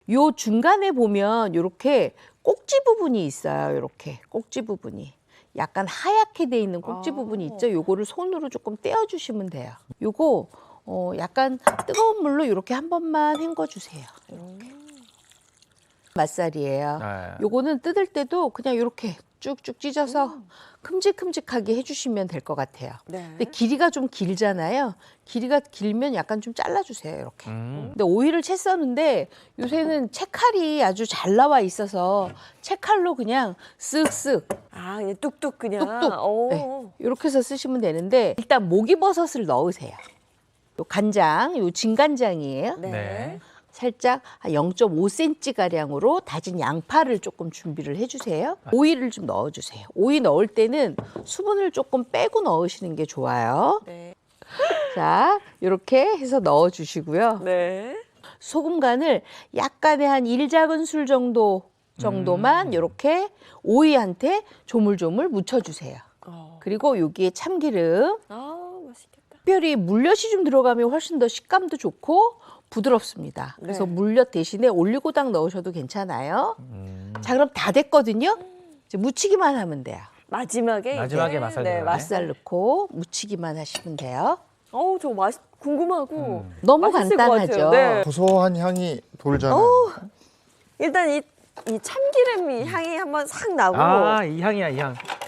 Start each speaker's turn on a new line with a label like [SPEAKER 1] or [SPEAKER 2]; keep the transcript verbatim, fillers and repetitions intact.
[SPEAKER 1] 요 중간에 보면 이렇게 꼭지 부분이 있어요. 이렇게 꼭지 부분이. 약간 하얗게 돼 있는 꼭지
[SPEAKER 2] 아.
[SPEAKER 1] 부분이 있죠. 요거를 손으로 조금 떼어주시면 돼요. 요거 어, 약간 뜨거운 물로 이렇게 한 번만 헹궈주세요. 맛살이에요.
[SPEAKER 3] 네.
[SPEAKER 1] 요거는 뜯을 때도 그냥 이렇게 쭉쭉 찢어서 큼직큼직하게 해주시면 될 것 같아요.
[SPEAKER 2] 네.
[SPEAKER 1] 근데 길이가 좀 길잖아요. 길이가 길면 약간 좀 잘라주세요. 이렇게.
[SPEAKER 3] 음.
[SPEAKER 1] 근데 오이를 채 써는데 요새는 채칼이 아주 잘 나와 있어서 채칼로 그냥 쓱쓱
[SPEAKER 2] 아, 그냥 뚝뚝 그냥.
[SPEAKER 1] 뚝뚝.
[SPEAKER 2] 오.
[SPEAKER 1] 네. 이렇게 해서 쓰시면 되는데 일단 목이버섯을 넣으세요. 요 간장, 요 진간장이에요.
[SPEAKER 2] 네.
[SPEAKER 3] 네.
[SPEAKER 1] 살짝 한 영 점 오 센티미터 가량으로 다진 양파를 조금 준비를 해주세요. 오이를 좀 넣어주세요. 오이 넣을 때는 수분을 조금 빼고 넣으시는 게 좋아요.
[SPEAKER 2] 네.
[SPEAKER 1] 자, 이렇게 해서 넣어주시고요.
[SPEAKER 2] 네.
[SPEAKER 1] 소금 간을 약간의 한 일 작은술 정도 정도만
[SPEAKER 3] 음.
[SPEAKER 1] 이렇게 오이한테 조물조물 묻혀주세요.
[SPEAKER 2] 어.
[SPEAKER 1] 그리고 여기에 참기름,
[SPEAKER 2] 아, 맛있겠다.
[SPEAKER 1] 특별히 물엿이 좀 들어가면 훨씬 더 식감도 좋고 부드럽습니다. 그래서
[SPEAKER 2] 네.
[SPEAKER 1] 물엿 대신에 올리고당 넣으셔도 괜찮아요.
[SPEAKER 3] 음.
[SPEAKER 1] 자, 그럼 다 됐거든요. 이제 무치기만 하면 돼요.
[SPEAKER 2] 마지막에
[SPEAKER 3] 마지막에
[SPEAKER 2] 이제,
[SPEAKER 3] 맛살
[SPEAKER 2] 네,
[SPEAKER 3] 들어가네.
[SPEAKER 2] 맛살.
[SPEAKER 1] 맛살 넣고 무치기만 하시면 돼요.
[SPEAKER 2] 어우, 저 맛, 궁금하고.
[SPEAKER 3] 음.
[SPEAKER 1] 너무
[SPEAKER 2] 맛있을 것
[SPEAKER 1] 간단하죠.
[SPEAKER 2] 같아요. 네.
[SPEAKER 4] 고소한 향이 돌잖아요.
[SPEAKER 2] 일단 이, 이 참기름 이 향이 한번 싹 나고.
[SPEAKER 3] 아, 이 향이야, 이 향.